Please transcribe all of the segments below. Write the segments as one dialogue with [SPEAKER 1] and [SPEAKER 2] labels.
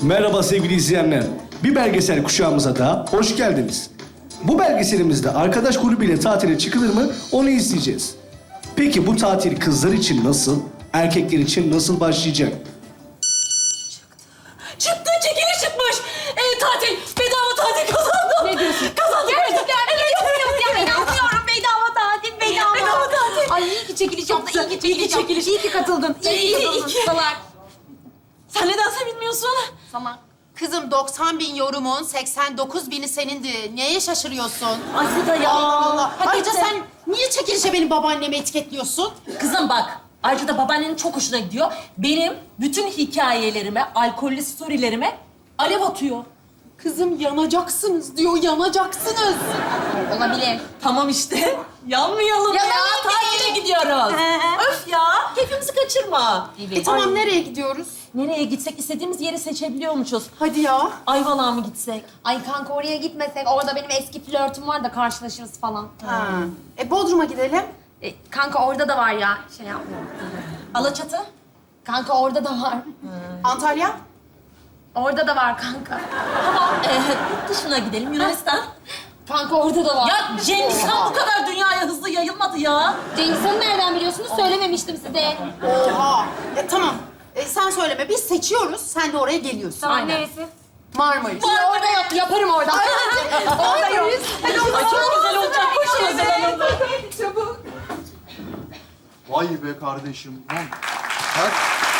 [SPEAKER 1] Merhaba sevgili izleyenler. Bir belgesel kuşağımıza da hoş geldiniz. Bu belgeselimizde arkadaş grubuyla tatile çıkılır mı onu izleyeceğiz. Peki bu tatil kızlar için nasıl, erkekler için nasıl başlayacak?
[SPEAKER 2] Çıktı, çekiliş çıkmış. Tatil, bedava tatil kazandım.
[SPEAKER 3] Ne diyorsun?
[SPEAKER 2] Kazandım.
[SPEAKER 3] Gerçekten
[SPEAKER 2] Evet.
[SPEAKER 3] ya inanmıyorum. Bedava tatil, bedava.
[SPEAKER 2] Bedava tatil.
[SPEAKER 3] Ay iyi ki çekiliş yaptı, iyi ki çekiliş
[SPEAKER 2] İyi ki çekiliş.
[SPEAKER 3] yaptı. İyi ki katıldın, iyi ki katıldın. Salak.
[SPEAKER 2] Sen nedense bilmiyorsun.
[SPEAKER 3] Salak.
[SPEAKER 4] Kızım 90 bin yorumun 89 bini senindi. Neye şaşırıyorsun?
[SPEAKER 2] Aslında ya.
[SPEAKER 4] Allah Allah. Ayrıca
[SPEAKER 2] Hakikaten.
[SPEAKER 4] sen niye çekilişe benim babaannemi etiketliyorsun?
[SPEAKER 2] Kızım bak, ayrıca da babaannenin çok hoşuna gidiyor. Benim bütün hikayelerime, alkollü storylerime alev atıyor.
[SPEAKER 4] Kızım yanacaksınız diyor, yanacaksınız.
[SPEAKER 3] Olabilir.
[SPEAKER 2] Tamam işte. Yanmayalım ya.
[SPEAKER 3] Yanalım
[SPEAKER 2] Tatile gidiyoruz. Öf ya. Keyfimizi kaçırma.
[SPEAKER 3] Evet.
[SPEAKER 4] Tamam nereye gidiyoruz?
[SPEAKER 2] Nereye gitsek istediğimiz yeri seçebiliyormuşuz.
[SPEAKER 4] Hadi ya.
[SPEAKER 2] Ayvalık'a mı gitsek?
[SPEAKER 3] Ay kanka oraya gitmesek, orada benim eski flörtüm var da karşılaşırız falan.
[SPEAKER 4] Ha. Bodrum'a gidelim.
[SPEAKER 3] Kanka orada da var ya, şey yapma.
[SPEAKER 2] Alaçatı?
[SPEAKER 3] Kanka orada da var.
[SPEAKER 4] Antalya.
[SPEAKER 3] Orada da var kanka.
[SPEAKER 2] Tamam. Yurt dışına gidelim. Yunanistan.
[SPEAKER 3] Kanka orada da var.
[SPEAKER 2] Ya Cengiz Han bu kadar dünyaya hızlı yayılmadı ya.
[SPEAKER 3] Cengiz Han'ı nereden biliyorsunuz? Söylememiştim size.
[SPEAKER 4] Oha. Tamam. Sen söyleme. Biz seçiyoruz. Sen de oraya geliyorsun.
[SPEAKER 3] Tamam,
[SPEAKER 2] Aynen.
[SPEAKER 3] neresi?
[SPEAKER 4] Marmaris.
[SPEAKER 3] Orada yaparım orada.
[SPEAKER 2] Orada yok. Ay çok güzel olacak. Koşun o zaman.
[SPEAKER 5] Vay be kardeşim. Lan. Her...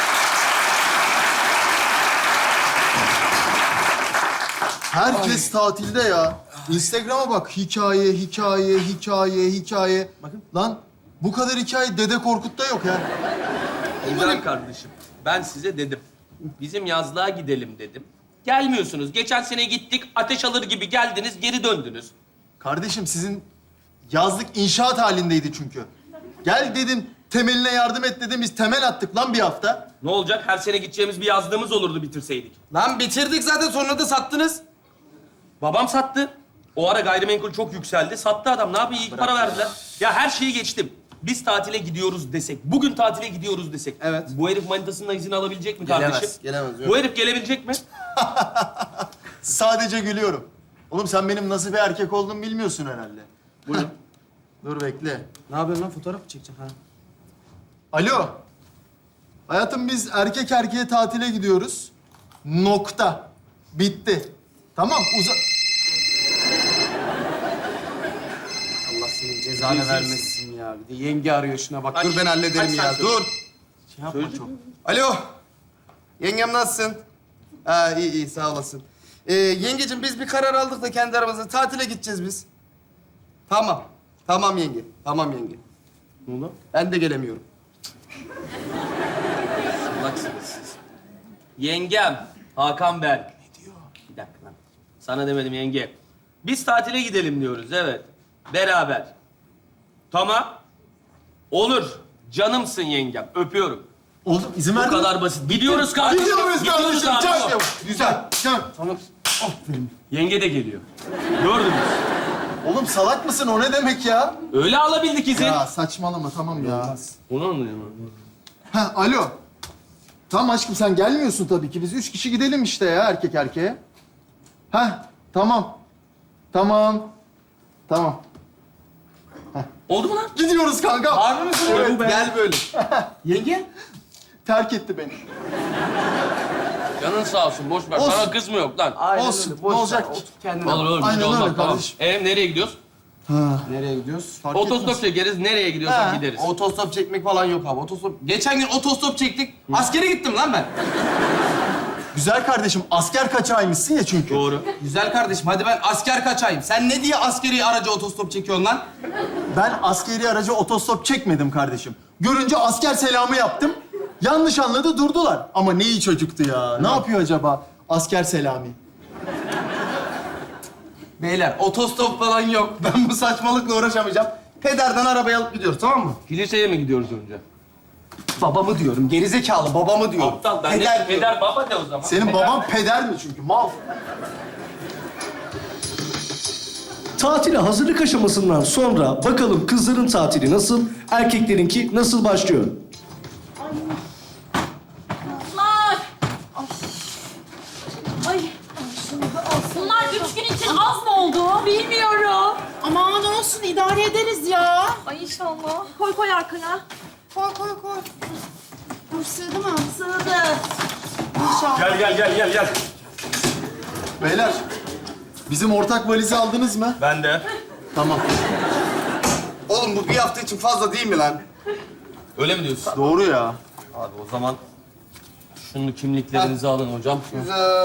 [SPEAKER 5] Herkes tatilde ya. Instagram'a bak. Hikaye, hikaye, hikaye, hikaye.
[SPEAKER 6] Bakın.
[SPEAKER 5] Lan bu kadar hikaye Dede Korkut'ta yok ya.
[SPEAKER 6] İmran kardeşim, ben size dedim. Bizim yazlığa gidelim dedim. Gelmiyorsunuz. Geçen sene gittik, ateş alır gibi geldiniz, geri döndünüz.
[SPEAKER 5] Kardeşim sizin yazlık inşaat halindeydi çünkü. Gel dedim, temeline yardım et dedim. Biz temel attık lan bir hafta.
[SPEAKER 6] Ne olacak? Her sene gideceğimiz bir yazlığımız olurdu bitirseydik.
[SPEAKER 7] Lan bitirdik zaten, sonra da sattınız.
[SPEAKER 6] Babam sattı. O ara gayrimenkul çok yükseldi. Sattı adam. Ne yapayım? İyi para verdiler. Ya her şeyi geçtim. Biz tatile gidiyoruz desek, bugün tatile gidiyoruz desek.
[SPEAKER 7] Evet.
[SPEAKER 6] Bu herif manitasından izin alabilecek mi
[SPEAKER 7] Gelemez,
[SPEAKER 6] kardeşim?
[SPEAKER 7] gelemez, yok.
[SPEAKER 6] Bu herif gelebilecek mi?
[SPEAKER 5] Sadece gülüyorum. Oğlum sen benim nasıl bir erkek olduğumu bilmiyorsun herhalde.
[SPEAKER 6] Buyurun.
[SPEAKER 5] Dur bekle.
[SPEAKER 7] Ne yapıyorsun lan, fotoğraf mı çekeceksin? Ha.
[SPEAKER 5] Alo. Hayatım biz erkek erkeğe tatile gidiyoruz. Nokta. Bitti. Tamam
[SPEAKER 7] Allah senin cezanı vermesin ya. Bir de yenge arıyor, şuna bak. Dur ben hallederim
[SPEAKER 6] aç
[SPEAKER 7] ya,
[SPEAKER 6] sen
[SPEAKER 7] dur.
[SPEAKER 5] Şey yapma çok.
[SPEAKER 7] Alo. Yengem nasılsın? Ha iyi iyi, sağ olasın. Yengeciğim biz bir karar aldık da kendi aramızda tatile gideceğiz biz. Tamam. Tamam yenge. Tamam yenge.
[SPEAKER 6] Ne oldu?
[SPEAKER 7] Ben de gelemiyorum.
[SPEAKER 6] Salaksınız siz. Yengem, Hakan Berk. Ne diyor? Bir dakika lan. Sana demedim yenge. Biz tatile gidelim diyoruz, evet. Beraber. Tamam. Olur. Canımsın yengem. Öpüyorum.
[SPEAKER 5] Oğlum izin
[SPEAKER 6] Bu
[SPEAKER 5] ver.
[SPEAKER 6] kadar basit. Gidiyoruz kardeşim.
[SPEAKER 5] Gidiyoruz
[SPEAKER 6] Gidiyoruz
[SPEAKER 5] kardeşim.
[SPEAKER 6] abi.
[SPEAKER 5] Çak. Güzel. Çak.
[SPEAKER 7] Tamam.
[SPEAKER 6] Yenge de geliyor. Gördünüz.
[SPEAKER 5] Oğlum salak mısın? O ne demek ya?
[SPEAKER 6] Öyle alabildik izin.
[SPEAKER 5] Ya saçmalama tamam ya.
[SPEAKER 6] Onu anlıyorum.
[SPEAKER 5] Ha alo. Tamam aşkım sen gelmiyorsun tabii ki. Biz 3 kişi gidelim işte ya erkek erkeğe. Ha tamam. Tamam. Tamam.
[SPEAKER 6] Oldu mu lan?
[SPEAKER 5] Gidiyoruz kanka.
[SPEAKER 7] Harbi misin?
[SPEAKER 5] Evet.
[SPEAKER 7] Gel böyle. Yenge?
[SPEAKER 5] Terk etti beni.
[SPEAKER 6] Canın sağ olsun. Boş ver.
[SPEAKER 5] Olsun.
[SPEAKER 6] Sana kız mı yok lan?
[SPEAKER 7] Aynen
[SPEAKER 5] Olsun,
[SPEAKER 7] öyle, boş
[SPEAKER 5] ne
[SPEAKER 7] ver,
[SPEAKER 5] olacak ki?
[SPEAKER 7] Otur kendine.
[SPEAKER 6] Olur olur.
[SPEAKER 5] Aynen
[SPEAKER 6] Aynen
[SPEAKER 5] öyle
[SPEAKER 6] olmaz. Tamam.
[SPEAKER 5] kardeşim.
[SPEAKER 6] Nereye gidiyoruz?
[SPEAKER 7] Nereye gidiyoruz?
[SPEAKER 5] Fark
[SPEAKER 6] Otostop
[SPEAKER 5] etmez.
[SPEAKER 6] çekeriz. Nereye gidiyorsak
[SPEAKER 5] Ha.
[SPEAKER 6] gideriz.
[SPEAKER 7] Otostop çekmek falan yok abi. Otostop... Geçen gün otostop çektik. Askere gittim lan ben.
[SPEAKER 5] Güzel kardeşim asker kaçağıymışsın ya çünkü.
[SPEAKER 6] Doğru.
[SPEAKER 7] Güzel kardeşim, hadi ben asker kaçayım. Sen ne diye askeri araca otostop çekiyorsun lan?
[SPEAKER 5] Ben askeri aracı otostop çekmedim kardeşim. Görünce asker selamı yaptım. Yanlış anladı durdular. Ama ne iyi çocuktu ya. Ne yapıyor acaba asker Selami?
[SPEAKER 7] Beyler, otostop falan yok. Ben bu saçmalıkla uğraşamayacağım. Pederden arabayı alıp gidiyoruz, tamam mı?
[SPEAKER 6] Kiliseye mi gidiyoruz önce?
[SPEAKER 7] Babamı diyorum, gerizekalı babamı diyorum.
[SPEAKER 6] Aptal. Ben
[SPEAKER 7] Peder
[SPEAKER 6] de
[SPEAKER 7] diyorum.
[SPEAKER 6] peder baba de o zaman.
[SPEAKER 5] Senin baban peder mi çünkü mal?
[SPEAKER 1] Tatile hazırlık aşamasından sonra bakalım kızların tatili nasıl, erkeklerinki nasıl başlıyor?
[SPEAKER 2] Kızlar! Bilmiyorum.
[SPEAKER 4] Aman olsun idare ederiz ya.
[SPEAKER 2] Ay inşallah. Koy koy arkaya.
[SPEAKER 4] Koy koy koy. Dur sığdı mı?
[SPEAKER 2] Sığdı.
[SPEAKER 6] Gel gel gel gel gel.
[SPEAKER 5] Beyler, bizim ortak valizi aldınız mı?
[SPEAKER 6] Ben de.
[SPEAKER 5] Tamam.
[SPEAKER 7] Oğlum bu bir hafta için fazla değil mi lan?
[SPEAKER 6] Öyle mi diyorsun?
[SPEAKER 5] Doğru ya.
[SPEAKER 6] Abi o zaman şunu kimliklerinizi alın hocam.
[SPEAKER 7] Güzel.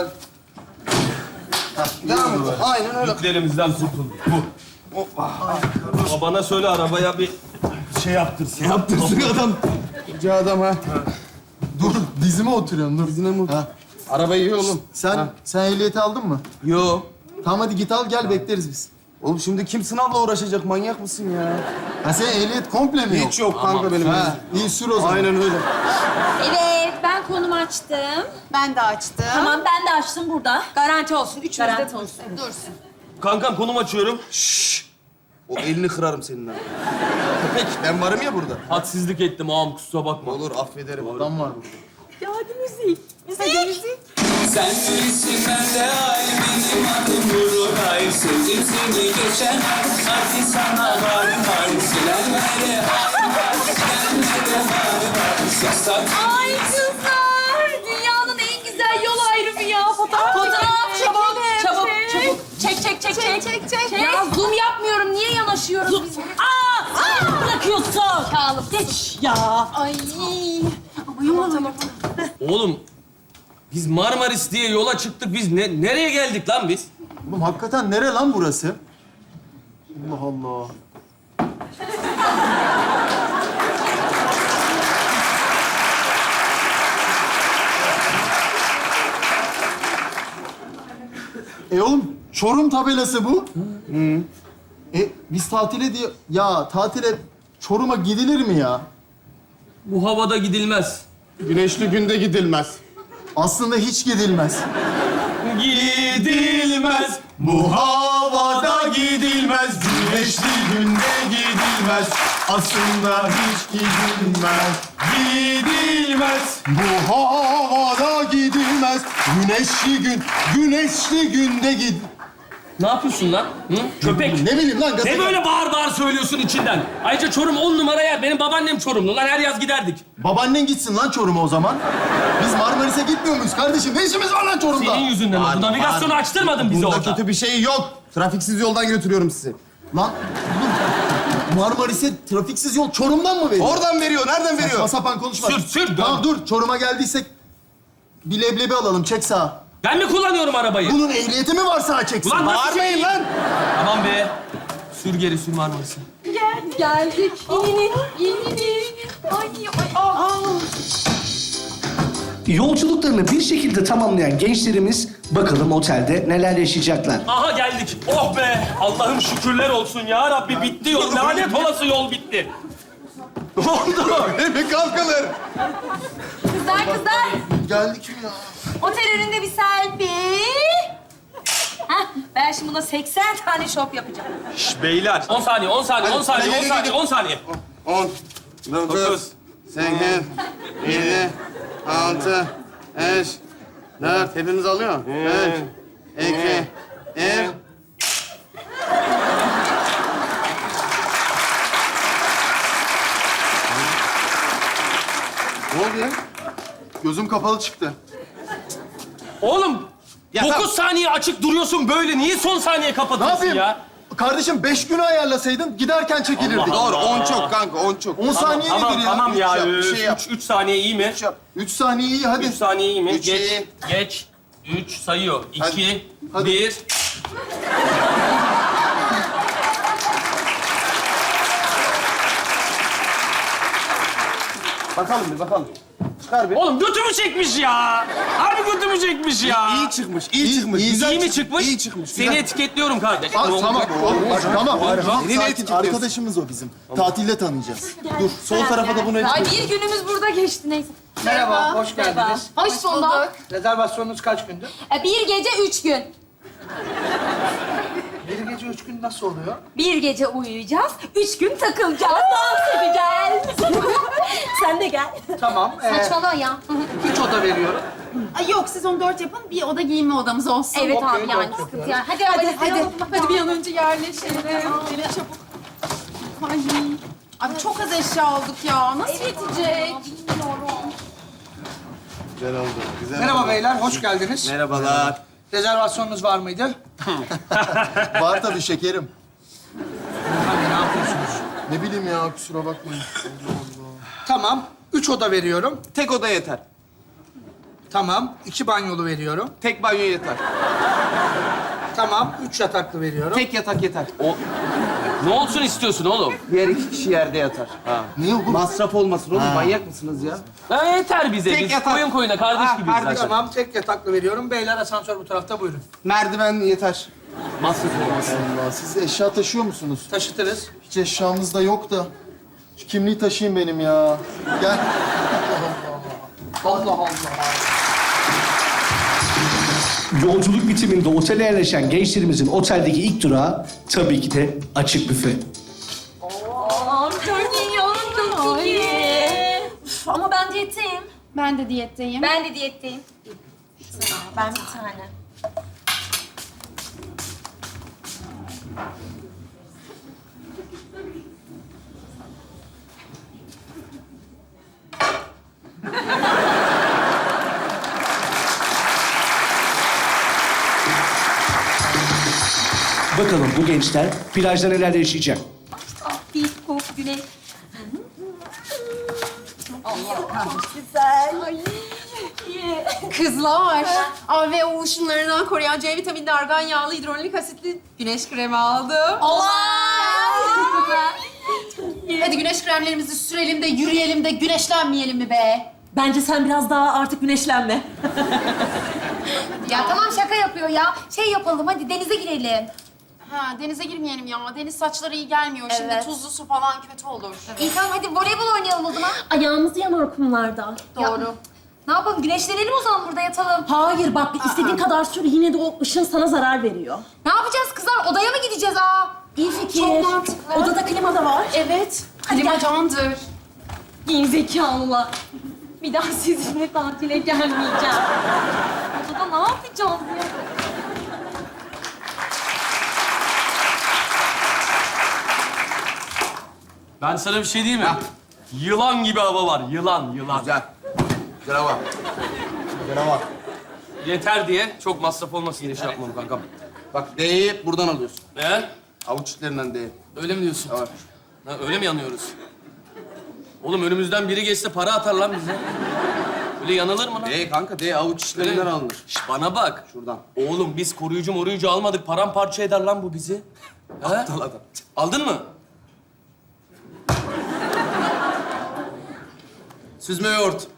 [SPEAKER 7] Devam et. Aynen öyle.
[SPEAKER 6] Yüklerimizden kurtulduk. Bu. Babana söyle arabaya bir şey yaptırsın.
[SPEAKER 7] Yaptırsın adam. Rica adam ha.
[SPEAKER 5] Dur, dizime oturuyorsun dur.
[SPEAKER 7] Dizine mi?
[SPEAKER 5] Ha.
[SPEAKER 7] Araba iyi oğlum.
[SPEAKER 5] Sen ehliyeti aldın mı?
[SPEAKER 7] Yo.
[SPEAKER 5] Tamam hadi git al gel bekleriz biz.
[SPEAKER 7] Oğlum şimdi kim sınavla uğraşacak? Manyak mısın ya?
[SPEAKER 5] Ha senin ehliyet komple mi yok?
[SPEAKER 7] Hiç yok kanka benim.
[SPEAKER 5] Ha, iyi sür o zaman.
[SPEAKER 7] Aynen öyle.
[SPEAKER 3] Evet, ben konumu açtım.
[SPEAKER 4] Ben de açtım.
[SPEAKER 2] Tamam ben de açtım burada.
[SPEAKER 3] Garanti olsun. Üçümüz de
[SPEAKER 2] Garanti
[SPEAKER 3] dursun.
[SPEAKER 2] olsun.
[SPEAKER 4] Dursun.
[SPEAKER 6] Kankam konum açıyorum.
[SPEAKER 7] O elini kırarım seninle. Köpek ben varım ya burada.
[SPEAKER 6] Hadsizlik ettim ağam kusura bakma.
[SPEAKER 7] Olur affederim.
[SPEAKER 5] Adam var burada.
[SPEAKER 2] Ya hadi müzik. Müzik.
[SPEAKER 8] Sen bilirsin ben de ay benim adım Nuray. Sevdim seni geçen ay, hadi sana var var. Silenlere hay var, silenlere hay var. Yasak
[SPEAKER 3] Ay kızlar! Dünyanın en güzel yol ayrımı ya. Fotoğraf
[SPEAKER 2] Çabuk, çabuk,
[SPEAKER 3] çek.
[SPEAKER 2] çabuk. Çek, çek, çek, çek.
[SPEAKER 3] Çek. Ya zoom yapmıyorum. Niye yanaşıyoruz biz?
[SPEAKER 2] Aa! Bırakıyorsun.
[SPEAKER 3] Kağlıp.
[SPEAKER 2] Geç ya.
[SPEAKER 3] Ay. Tamam.
[SPEAKER 6] Oğlum biz Marmaris diye yola çıktık. Biz nereye geldik lan biz?
[SPEAKER 5] Oğlum hakikaten nere lan burası? Allah Allah. Oğlum Çorum tabelası bu. Biz tatile diye... Ya tatile Çorum'a gidilir mi ya?
[SPEAKER 6] Bu havada gidilmez.
[SPEAKER 7] Güneşli günde gidilmez.
[SPEAKER 5] Aslında hiç gidilmez.
[SPEAKER 6] Gidilmez.
[SPEAKER 5] Bu havada gidilmez, güneşli günde gidilmez. Aslında hiç gidilmez, gidilmez. Bu havada gidilmez, güneşli günde
[SPEAKER 6] Ne yapıyorsun lan? Hı? Köpek.
[SPEAKER 5] Ne bileyim lan
[SPEAKER 6] Ne böyle bağır bağır söylüyorsun içinden? Ayrıca Çorum 10 numara yer. Benim babaannem Çorumlu lan her yaz giderdik.
[SPEAKER 5] Babaannen gitsin lan Çorum'a o zaman. Biz Marmaris'e gitmiyor muyuz kardeşim? Ne işimiz var lan Çorum'da?
[SPEAKER 6] Senin yüzünden oldu. Navigasyonu açtırmadın bize
[SPEAKER 7] Bunda
[SPEAKER 6] orada.
[SPEAKER 7] kötü bir şey yok. Trafiksiz yoldan götürüyorum sizi.
[SPEAKER 5] Lan oğlum, Marmaris'e trafiksiz yol Çorum'dan mı veriyor?
[SPEAKER 7] Oradan veriyor. Nereden veriyor?
[SPEAKER 5] Saçma sapan konuşma.
[SPEAKER 6] Sür, dön.
[SPEAKER 5] Tamam dur, Çorum'a geldiysek bir leblebi alalım, çek sağa.
[SPEAKER 6] Ben mi kullanıyorum arabayı?
[SPEAKER 5] Bunun ehliyeti mi var sağa çeksin?
[SPEAKER 6] Ulan nasıl
[SPEAKER 7] Bağırmayın
[SPEAKER 6] şey?
[SPEAKER 7] lan.
[SPEAKER 6] Tamam be. Sür geri sür Marmaris'e.
[SPEAKER 3] Geldik. İnin. Ay.
[SPEAKER 1] Yolculuklarını bir şekilde tamamlayan gençlerimiz bakalım otelde neler yaşayacaklar.
[SPEAKER 6] Aha geldik. Oh be. Allah'ım şükürler olsun ya Rabbi bitti yol. Lanet olası yol bitti. Ne oldu?
[SPEAKER 7] Bir kalkalım.
[SPEAKER 3] Kızlar.
[SPEAKER 5] Geldik mi ya?
[SPEAKER 3] Otel önünde bir selfie. Hah, ben şimdi buna 80 tane şop yapacağım.
[SPEAKER 6] Şş, beyler. 10 saniye, 10 saniye, 10 saniye, 10 saniye, 10 saniye.
[SPEAKER 7] 10, 9, 8, 7, 6, 5, 4. Hepimiz alıyor. 3, 2, 1. Ne oldu ya?
[SPEAKER 5] Gözüm kapalı çıktı.
[SPEAKER 6] Oğlum,
[SPEAKER 7] Ya
[SPEAKER 6] 9 saniye açık duruyorsun böyle. Niye son saniye
[SPEAKER 5] Ne
[SPEAKER 6] kapatıyorsun
[SPEAKER 5] yapayım?
[SPEAKER 6] ya?
[SPEAKER 5] Kardeşim 5 günü ayarlasaydın giderken çekilirdik.
[SPEAKER 6] Allah
[SPEAKER 7] Doğru, 10 çok kanka, 10 çok.
[SPEAKER 5] 10 saniye
[SPEAKER 6] Tamam,
[SPEAKER 5] nedir ya?
[SPEAKER 6] tamam ya.
[SPEAKER 7] Üç yap, bir şey yap.
[SPEAKER 6] 3 saniye iyi mi?
[SPEAKER 5] 3 saniye iyi hadi.
[SPEAKER 6] 3 saniye iyi mi?
[SPEAKER 7] Üç
[SPEAKER 6] Geç,
[SPEAKER 7] iyi.
[SPEAKER 6] geç. 3 sayıyor. 2,
[SPEAKER 5] Hadi.
[SPEAKER 6] 1.
[SPEAKER 7] Bakalım bir, bakalım. Çıkar bir.
[SPEAKER 6] Oğlum götümü çekmiş ya. Harbi götümü çekmiş ya.
[SPEAKER 7] İyi çıkmış, iyi çıkmış.
[SPEAKER 5] iyi
[SPEAKER 7] Güzel
[SPEAKER 6] İyi mi çıkmış?
[SPEAKER 7] İyi çıkmış.
[SPEAKER 6] Seni
[SPEAKER 7] güzel.
[SPEAKER 6] etiketliyorum kardeş.
[SPEAKER 5] Aa, tamam oğlum bak, tamam.
[SPEAKER 7] Yeni
[SPEAKER 5] Sakin,
[SPEAKER 7] etiketliyorsun.
[SPEAKER 5] arkadaşımız o bizim. Tatilde tanıyacağız. Dur.
[SPEAKER 7] Sol tarafa da bunu
[SPEAKER 3] Ay bir günümüz burada geçti neyse.
[SPEAKER 9] Merhaba, hoş geldiniz.
[SPEAKER 3] Hoş bulduk.
[SPEAKER 9] Rezervasyonunuz kaç gündü?
[SPEAKER 3] Bir gece 3 gün.
[SPEAKER 9] Bir gece 3 gün nasıl oluyor?
[SPEAKER 3] Bir gece uyuyacağız, 3 gün takılacağız, dans edeceğiz.
[SPEAKER 2] Sen de gel.
[SPEAKER 9] Tamam,
[SPEAKER 3] Saçmalama ya.
[SPEAKER 9] hiç oda veriyorum.
[SPEAKER 4] Ay yok siz onu 4 yapın. Bir oda giyinme odamız olsun.
[SPEAKER 3] Evet
[SPEAKER 9] Okey,
[SPEAKER 3] abi yani
[SPEAKER 9] dört
[SPEAKER 3] sıkıntı
[SPEAKER 9] yapıyoruz.
[SPEAKER 3] yani. Hadi
[SPEAKER 4] Hadi bir an önce yerleşelim. Gelin çabuk. Ay. Abi çok az eşya aldık ya. Nasıl yetecek?
[SPEAKER 7] Güzel oldu. Güzel
[SPEAKER 9] Merhaba
[SPEAKER 7] oldu.
[SPEAKER 9] beyler, hoş geldiniz.
[SPEAKER 7] Merhabalar.
[SPEAKER 9] Rezervasyonunuz var mıydı?
[SPEAKER 5] Var tabii şekerim.
[SPEAKER 9] Hangi, ne yapıyorsunuz?
[SPEAKER 5] Ne bileyim ya, kusura bakmayın.
[SPEAKER 9] Tamam, 3 oda veriyorum.
[SPEAKER 7] Tek oda yeter.
[SPEAKER 9] Tamam, 2 banyolu veriyorum.
[SPEAKER 7] Tek banyo yeter.
[SPEAKER 9] Tamam, 3 yataklı veriyorum.
[SPEAKER 7] Tek yatak yeter.
[SPEAKER 6] Ne olsun istiyorsun oğlum?
[SPEAKER 7] Diğer 2 kişi yerde yatar.
[SPEAKER 5] Niye oğlum?
[SPEAKER 7] Masraf olmasın oğlum. Manyak mısınız ya?
[SPEAKER 6] Ha, yeter bize.
[SPEAKER 7] Tek
[SPEAKER 6] Biz
[SPEAKER 7] yatak.
[SPEAKER 6] koyun koyuna kardeş
[SPEAKER 7] Ha,
[SPEAKER 6] gibiyiz
[SPEAKER 7] kardeş.
[SPEAKER 6] zaten.
[SPEAKER 9] Tamam, tek yataklı veriyorum. Beyler asansör bu tarafta, buyurun.
[SPEAKER 7] Merdiven yeter. Masraf olmasın.
[SPEAKER 5] Allah, siz eşya taşıyor musunuz?
[SPEAKER 9] Taşıtırız.
[SPEAKER 5] Hiç eşyamız da yok da. Şu kimliği taşıyayım benim ya. Gel.
[SPEAKER 9] Allah Allah.
[SPEAKER 1] Yolculuk bitiminde otele yerleşen gençlerimizin oteldeki ilk durağı tabii ki de açık büfe.
[SPEAKER 3] Çok iyi. Üf, ama ben diyetteyim.
[SPEAKER 4] Ben de diyetteyim.
[SPEAKER 3] Ben de diyetteyim. Ben bir tane.
[SPEAKER 1] Bakalım bu gençler plajda neler yaşayacak?
[SPEAKER 3] Bir kok güneş.
[SPEAKER 4] Kızlar, AVO ışınlarından koruyan C vitamini, argan yağlı, hidrolik asitli güneş kremi aldım. Hadi güneş kremlerimizi sürelim de yürüyelim de güneşlenmeyelim mi be?
[SPEAKER 2] Bence sen biraz daha artık güneşlenme.
[SPEAKER 3] Ya tamam şaka yapıyor ya. Şey yapalım hadi denize girelim.
[SPEAKER 4] Ha, denize girmeyelim ya. Deniz saçları iyi gelmiyor. Şimdi
[SPEAKER 3] Evet.
[SPEAKER 4] tuzlu su falan kötü olur.
[SPEAKER 3] İyi tamam hadi voleybol oynayalım o zaman.
[SPEAKER 2] Ayağımız yanar kumlarda.
[SPEAKER 4] Doğru.
[SPEAKER 3] Ne yapalım güneşlenelim o zaman burada yatalım.
[SPEAKER 2] Hayır bak istediğin kadar sür yine de o ışın sana zarar veriyor.
[SPEAKER 3] Ne yapacağız kızlar? Odaya mı gideceğiz
[SPEAKER 2] İyi fikir.
[SPEAKER 3] Çok mantıklı.
[SPEAKER 2] Odada klima da var.
[SPEAKER 4] Evet.
[SPEAKER 3] Hadi
[SPEAKER 4] Klima
[SPEAKER 3] gel.
[SPEAKER 4] candır.
[SPEAKER 2] Gerizekalılar. Bir daha sizinle tatile gelmeyeceğim. Odada ne yapacağız ya?
[SPEAKER 6] Ben sana bir şey diyeyim mi? Yılan gibi hava var. Yılan.
[SPEAKER 7] Güzel. Güzel hava. Güzel hava.
[SPEAKER 6] Yeter diye çok masraf olmasın diye şey yapmam kankam.
[SPEAKER 7] Bak D'yi buradan alıyorsun.
[SPEAKER 6] Ne?
[SPEAKER 7] Avuç içlerinden D.
[SPEAKER 6] Öyle mi diyorsun?
[SPEAKER 7] Evet.
[SPEAKER 6] Ha, öyle mi yanıyoruz? Oğlum önümüzden biri geçse para atar lan bize. Öyle yanılır mı lan?
[SPEAKER 7] D kanka D avuç içlerinden alınır.
[SPEAKER 6] Şş, bana bak.
[SPEAKER 7] Şuradan.
[SPEAKER 6] Oğlum biz koruyucu almadık. Paramparça eder lan bu bizi.
[SPEAKER 7] Aptal adam.
[SPEAKER 6] Aldın mı?
[SPEAKER 7] Süzme yoğurt.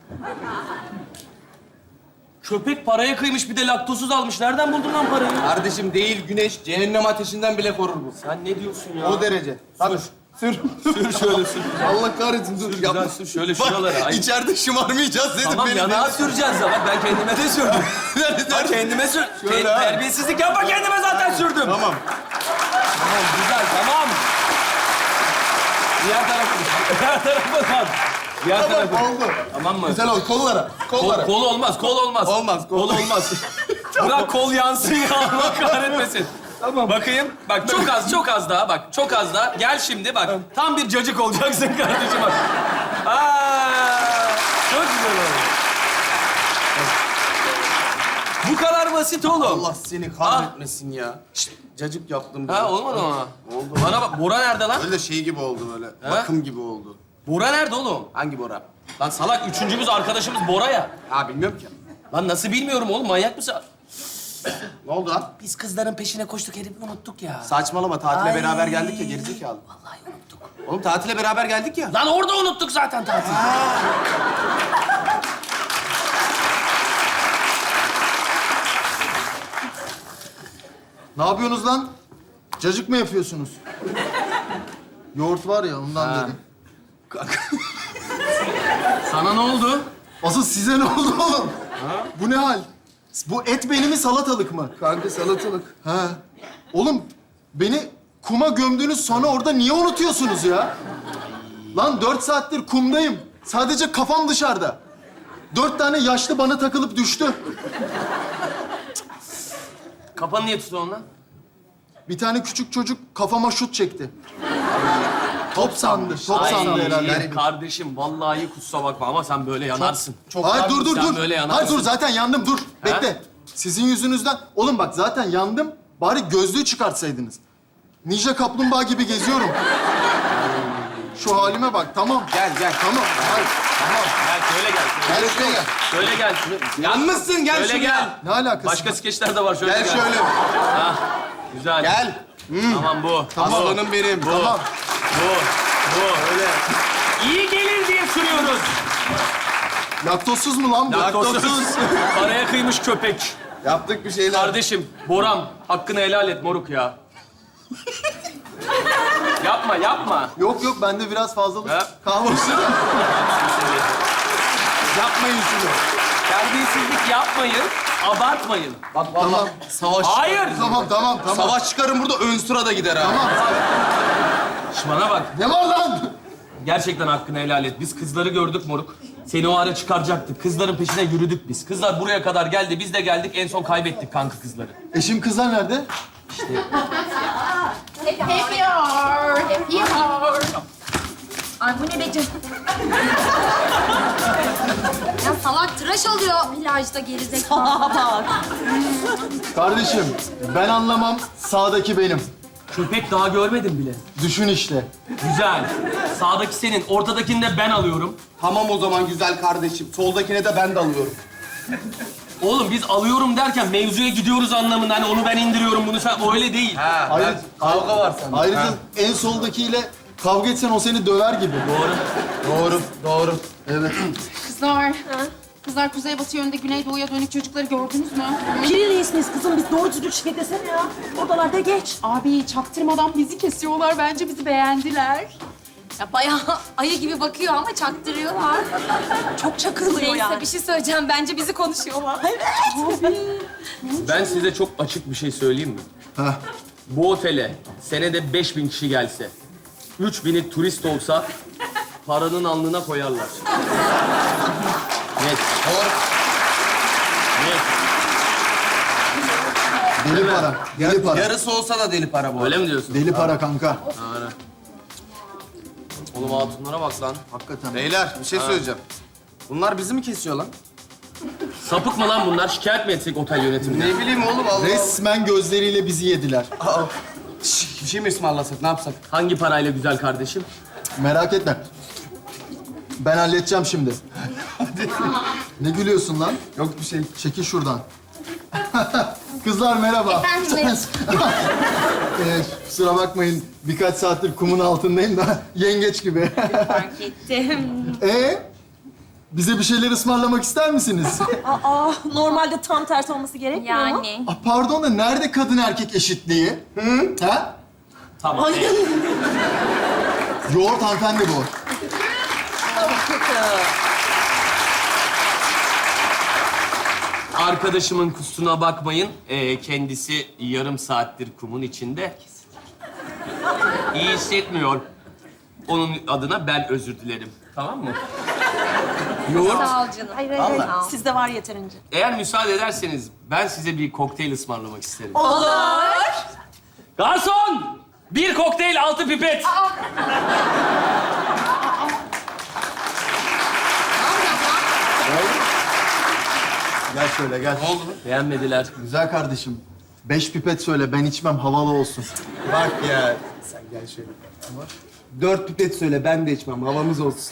[SPEAKER 6] Köpek paraya kıymış bir de laktozsuz almış. Nereden buldun lan parayı?
[SPEAKER 7] Kardeşim değil güneş cehennem ateşinden bile korur bu.
[SPEAKER 6] Sen ne diyorsun ya?
[SPEAKER 7] O derece. Hadi. Sür.
[SPEAKER 6] Sür şöyle sür.
[SPEAKER 7] Allah kahretsin dur.
[SPEAKER 6] Güzel sür şöyle şuralara. Ay.
[SPEAKER 7] İçeride şımarmayacağız dedim.
[SPEAKER 6] Tamam yanağa süreceğiz ya. Bak ben kendime de sürdüm. Bak kendime sür.
[SPEAKER 7] Şöyle ha.
[SPEAKER 6] Terbiyesizlik yapma kendime zaten sürdüm.
[SPEAKER 7] Tamam.
[SPEAKER 6] Tamam güzel tamam. Diğer tarafa bak. Diğer tarafa.
[SPEAKER 7] Tamam oldu.
[SPEAKER 6] Tamam mı?
[SPEAKER 7] Güzel oldu. Kollara. Kollara.
[SPEAKER 6] Kol olmaz, kol olmaz.
[SPEAKER 7] Olmaz, kol.
[SPEAKER 6] Kol olmaz. Bırak kol yansın ya, Allah kahretmesin. Tamam. Bakayım, bak çok az daha, bak çok az daha. Gel şimdi bak, tam bir cacık olacaksın kardeşim bak. Çok güzel oldu. Bu kadar basit oğlum.
[SPEAKER 7] Allah seni kahretmesin ya. Şşt, cacık yaptım.
[SPEAKER 6] Ha olmadı mı?
[SPEAKER 7] Oldu.
[SPEAKER 6] Bana bak, Bora nerede lan?
[SPEAKER 7] Öyle şey gibi oldu böyle.
[SPEAKER 6] Ha?
[SPEAKER 7] Bakım gibi oldu.
[SPEAKER 6] Bora nerede oğlum?
[SPEAKER 7] Hangi Bora?
[SPEAKER 6] Lan salak, üçüncümüz arkadaşımız Bora ya.
[SPEAKER 7] Ha bilmiyorum ki.
[SPEAKER 6] Lan nasıl bilmiyorum oğlum, manyak mısın?
[SPEAKER 7] Ne oldu lan?
[SPEAKER 6] Biz kızların peşine koştuk, herifi unuttuk ya.
[SPEAKER 7] Saçmalama tatile
[SPEAKER 6] Ay.
[SPEAKER 7] beraber geldik ya gerizekalı.
[SPEAKER 6] Vallahi unuttuk.
[SPEAKER 7] Oğlum tatile beraber geldik ya.
[SPEAKER 6] Lan orada unuttuk zaten tatili.
[SPEAKER 5] Ne yapıyorsunuz lan? Cacık mı yapıyorsunuz? Yoğurt var ya ondan dedim.
[SPEAKER 6] Sana ne oldu?
[SPEAKER 5] Asıl size ne oldu oğlum? Bu ne hal? Bu et beni mi salatalık mı?
[SPEAKER 7] Kanka salatalık.
[SPEAKER 5] Ha. Oğlum beni kuma gömdünüz sonra orada niye unutuyorsunuz ya? Lan 4 saattir kumdayım. Sadece kafam dışarıda. 4 tane yaşlı bana takılıp düştü.
[SPEAKER 6] Kafanı niye tutuyorsun lan?
[SPEAKER 5] Bir tane küçük çocuk kafama şut çekti. Top sandı. Top
[SPEAKER 6] Ay,
[SPEAKER 5] sandı herhalde.
[SPEAKER 6] kardeşim vallahi kusura bakma ama sen böyle yanarsın.
[SPEAKER 5] Hayır dur
[SPEAKER 6] Sen
[SPEAKER 5] dur.
[SPEAKER 6] böyle yanarsın.
[SPEAKER 5] Hayır dur zaten yandım dur. Bekle. Sizin yüzünüzden. Oğlum bak zaten yandım. Bari gözlüğü çıkartsaydınız. Ninja kaplumbağa gibi geziyorum. Şu halime bak. Tamam.
[SPEAKER 7] Gel gel.
[SPEAKER 5] Tamam. Hayır. Tamam.
[SPEAKER 6] Gel şöyle gel.
[SPEAKER 7] Gel şuraya gel.
[SPEAKER 6] Şöyle gel.
[SPEAKER 7] Yanmışsın gel
[SPEAKER 6] Şöyle
[SPEAKER 7] şuraya.
[SPEAKER 6] gel.
[SPEAKER 5] Ne alakası
[SPEAKER 6] Başka
[SPEAKER 5] var?
[SPEAKER 6] skeçler de var. Şöyle
[SPEAKER 7] Gel şöyle.
[SPEAKER 6] Güzel.
[SPEAKER 7] Gel.
[SPEAKER 6] Tamam bu.
[SPEAKER 7] Aslanım benim.
[SPEAKER 5] Tamam.
[SPEAKER 6] Bu. Öyle. İyi gelir diye sürüyoruz.
[SPEAKER 5] Laktozsuz mu lan bu?
[SPEAKER 6] Laktozsuz. Paraya kıymış köpek.
[SPEAKER 7] Yaptık bir şeyler.
[SPEAKER 6] Kardeşim, Boran, hakkını helal et moruk ya. Yapma.
[SPEAKER 5] Yok yok bende biraz fazlalık
[SPEAKER 6] He?
[SPEAKER 5] kalmış.
[SPEAKER 7] Yapmayın şunu.
[SPEAKER 6] Terbiyesizlik yapmayın, abartmayın.
[SPEAKER 7] Bak tamam. Savaş.
[SPEAKER 6] Hayır.
[SPEAKER 5] Tamam.
[SPEAKER 7] Savaş çıkarın burada ön sırada gider ha.
[SPEAKER 5] Tamam.
[SPEAKER 6] Şş, bana bak.
[SPEAKER 5] Ne var lan?
[SPEAKER 6] Gerçekten hakkını helal et. Biz kızları gördük moruk. Seni o ara çıkaracaktık. Kızların peşine yürüdük biz. Kızlar buraya kadar geldi, biz de geldik. En son kaybettik kanka kızları.
[SPEAKER 5] Eşim kızlar nerede?
[SPEAKER 3] Ay bu ne be canım? Ya salak tıraş oluyor plajda gerizekalı.
[SPEAKER 5] Kardeşim ben anlamam. Sağdaki benim.
[SPEAKER 6] Köpek daha görmedim bile.
[SPEAKER 5] Düşün işte.
[SPEAKER 6] Güzel. Sağdaki senin, ortadakini de ben alıyorum.
[SPEAKER 7] Tamam o zaman güzel kardeşim. Soldakine de ben de alıyorum.
[SPEAKER 6] Oğlum biz alıyorum derken mevzuya gidiyoruz anlamında. Hani onu ben indiriyorum, bunu sen... O öyle değil.
[SPEAKER 5] Ayrıca,
[SPEAKER 7] Kavga var sende.
[SPEAKER 5] ayrıca
[SPEAKER 7] Ha.
[SPEAKER 5] en soldakiyle kavga etsen o seni döver gibi.
[SPEAKER 7] Doğru.
[SPEAKER 5] Evet.
[SPEAKER 4] Kızlar. Kızlar kuzeybatı yönünde güneydoğuya dönük çocukları gördünüz mü?
[SPEAKER 2] Piriliyiz kızım. Biz doğru düzgün şike desene ya. Oralarda geç.
[SPEAKER 4] Abi çaktırmadan bizi kesiyorlar. Bence bizi beğendiler.
[SPEAKER 3] Ya bayağı ayı gibi bakıyor ama çaktırıyorlar.
[SPEAKER 2] Çok çakılıyor
[SPEAKER 3] Neyse
[SPEAKER 2] yani.
[SPEAKER 3] bir şey söyleyeceğim. Bence bizi konuşuyorlar.
[SPEAKER 6] Ben size çok açık bir şey söyleyeyim mi?
[SPEAKER 5] Heh.
[SPEAKER 6] Bu otele senede 5000 kişi gelse, 3000'i turist olsa paranın alnına koyarlar. Net. Net.
[SPEAKER 5] Deli para. Deli para.
[SPEAKER 7] Yarısı olsa da deli para bu.
[SPEAKER 6] Öyle mi diyorsun?
[SPEAKER 5] Deli para kanka.
[SPEAKER 6] Oğlum hatunlara bak lan.
[SPEAKER 5] Hakikaten.
[SPEAKER 7] Beyler bir şey söyleyeceğim. Bunlar bizi mi kesiyor lan?
[SPEAKER 6] Sapık mı lan bunlar? Şikayet mi etsek otel yönetimine?
[SPEAKER 7] Ne bileyim oğlum Allah.
[SPEAKER 5] Resmen gözleriyle bizi yediler.
[SPEAKER 7] Aa, bir şey mi ısmarlasak ne yapsak?
[SPEAKER 6] Hangi parayla güzel kardeşim?
[SPEAKER 5] Merak etme. Ben halledeceğim şimdi. Ne gülüyorsun lan?
[SPEAKER 7] Yok bir şey.
[SPEAKER 5] Çekil şuradan. Kızlar merhaba.
[SPEAKER 3] Efendim?
[SPEAKER 5] Kusura bakmayın. Birkaç saattir kumun altındayım da yengeç gibi.
[SPEAKER 3] Fark ettim.
[SPEAKER 5] Bize bir şeyler ısmarlamak ister misiniz?
[SPEAKER 2] Aa, normalde tam tersi olması gerekmiyor mu?
[SPEAKER 3] Yani.
[SPEAKER 5] Pardon da nerede kadın erkek eşitliği? Ha?
[SPEAKER 6] Tamam.
[SPEAKER 5] Yoğurt hanımefendi bu.
[SPEAKER 6] Arkadaşımın kusuruna bakmayın. Kendisi yarım saattir kumun içinde. İyi hissetmiyor. Onun adına ben özür dilerim. Tamam mı? Yoğurt.
[SPEAKER 3] Sağ ol canım.
[SPEAKER 2] Hayır. Sizde var yeterince.
[SPEAKER 6] Eğer müsaade ederseniz ben size bir kokteyl ısmarlamak isterim.
[SPEAKER 2] Olur.
[SPEAKER 6] Garson! Bir kokteyl, 6 pipet.
[SPEAKER 5] Gel şöyle gel.
[SPEAKER 6] Beğenmediler.
[SPEAKER 5] Güzel kardeşim. 5 pipet söyle ben içmem havalı olsun.
[SPEAKER 7] Bak ya. Sen gel şöyle. 4 pipet söyle ben de içmem havamız olsun.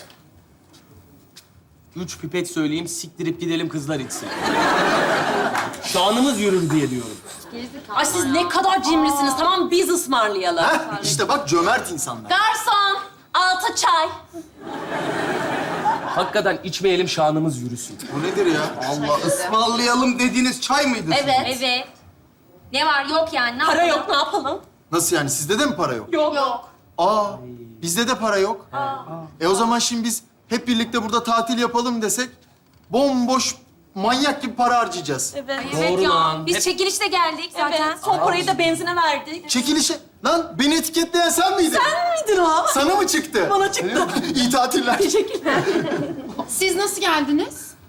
[SPEAKER 6] 3 pipet söyleyeyim, siktirip gidelim kızlar içsin. Şanımız yürür diye diyorum.
[SPEAKER 2] Ay siz ne kadar cimrisiniz. Tamam biz ısmarlayalım.
[SPEAKER 5] Heh, işte bak cömert insanlar.
[SPEAKER 2] Garson, 6 çay.
[SPEAKER 6] Hakikaten içmeyelim, şanımız yürüsün.
[SPEAKER 7] Bu nedir ya? Allah ısmarlayalım dediğiniz çay mıydı?
[SPEAKER 3] Evet. Ne var yok yani. Ne
[SPEAKER 2] Para
[SPEAKER 3] yapalım?
[SPEAKER 2] yok, ne yapalım?
[SPEAKER 5] Nasıl yani sizde de mi para yok?
[SPEAKER 2] Yok.
[SPEAKER 5] Aa bizde de para yok. O zaman şimdi biz hep birlikte burada tatil yapalım desek bomboş manyak gibi para harcayacağız.
[SPEAKER 2] Evet.
[SPEAKER 3] Evet
[SPEAKER 6] Doğru
[SPEAKER 3] ya.
[SPEAKER 6] lan.
[SPEAKER 3] Biz
[SPEAKER 6] Hep-
[SPEAKER 3] çekilişte geldik zaten.
[SPEAKER 2] Evet. Son parayı da benzine verdik.
[SPEAKER 5] Çekilişe... Lan beni etiketleyen sen miydin?
[SPEAKER 2] Sen miydin o?
[SPEAKER 5] Sana mı çıktı?
[SPEAKER 2] Bana çıktı.
[SPEAKER 5] İyi tatiller.
[SPEAKER 2] Teşekkürler.
[SPEAKER 4] Siz nasıl geldiniz?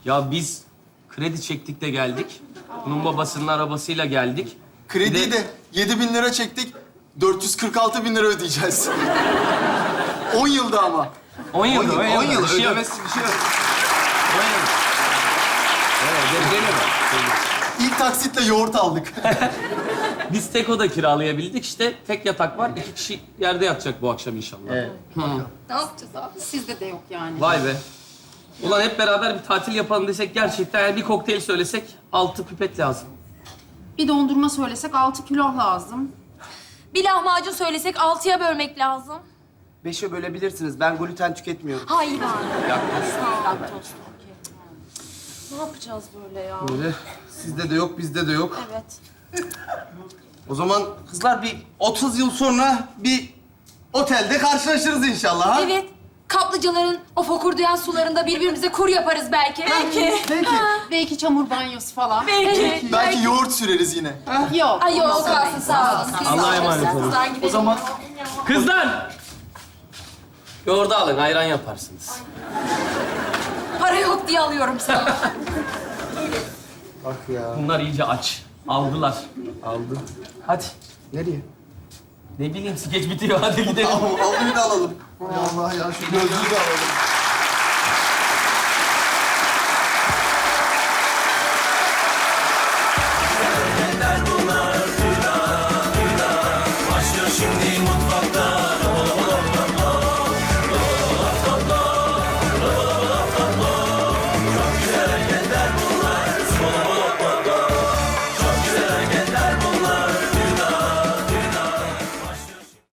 [SPEAKER 6] Ya biz kredi çektik de geldik. Bunun babasının arabasıyla geldik.
[SPEAKER 5] Krediyi
[SPEAKER 6] Bir
[SPEAKER 5] de 7.000 lira çektik. 446.000 lira ödeyeceğiz. 10 yılda ama.
[SPEAKER 6] 10 yıl.
[SPEAKER 7] 10 yıl
[SPEAKER 6] Bir şey yok.
[SPEAKER 7] ödemesi bir şey yok.
[SPEAKER 6] 10 yıl. Evet, gel.
[SPEAKER 5] İlk taksitle yoğurt aldık.
[SPEAKER 6] Biz tek oda kiralayabildik. İşte tek yatak var. 2 kişi yerde yatacak bu akşam inşallah. Evet.
[SPEAKER 4] Ne yapacağız abi? Sizde de yok yani.
[SPEAKER 6] Vay be. Ulan hep beraber bir tatil yapalım desek gerçekten yani bir kokteyl söylesek 6 pipet lazım.
[SPEAKER 4] Bir dondurma söylesek 6 kilo lazım.
[SPEAKER 3] Bir lahmacun söylesek 6'ya bölmek lazım.
[SPEAKER 7] 5'e bölebilirsiniz. Ben gluten tüketmiyorum.
[SPEAKER 3] Hayvan.
[SPEAKER 2] Laktoz. Okey. Ne yapacağız böyle ya?
[SPEAKER 7] Böyle. Sizde de yok, bizde de yok.
[SPEAKER 2] Evet.
[SPEAKER 7] O zaman kızlar bir 30 yıl sonra bir otelde karşılaşırız inşallah. Ha?
[SPEAKER 3] Evet. Kaplıcaların o fokurdayan sularında birbirimize kur yaparız belki.
[SPEAKER 7] Peki.
[SPEAKER 4] Belki çamur banyosu falan.
[SPEAKER 3] Belki.
[SPEAKER 5] Belki yoğurt süreriz yine.
[SPEAKER 4] Yok.
[SPEAKER 3] Ay yok kalsın sağ olun.
[SPEAKER 6] Allah'a emanet olun.
[SPEAKER 3] Kızlar gidelim.
[SPEAKER 5] O zaman
[SPEAKER 6] Kızlar! Yoğurdu alın, ayran yaparsınız.
[SPEAKER 3] Para yok diye alıyorum sana.
[SPEAKER 7] Bak ya.
[SPEAKER 6] Bunlar iyice aç. Aldılar.
[SPEAKER 7] Aldım.
[SPEAKER 6] Hadi.
[SPEAKER 7] Nereye?
[SPEAKER 6] Ne bileyim, skeç bitiyor. Hadi gidelim.
[SPEAKER 5] almayı da alalım. Allah ya şu gözlüğü de alalım.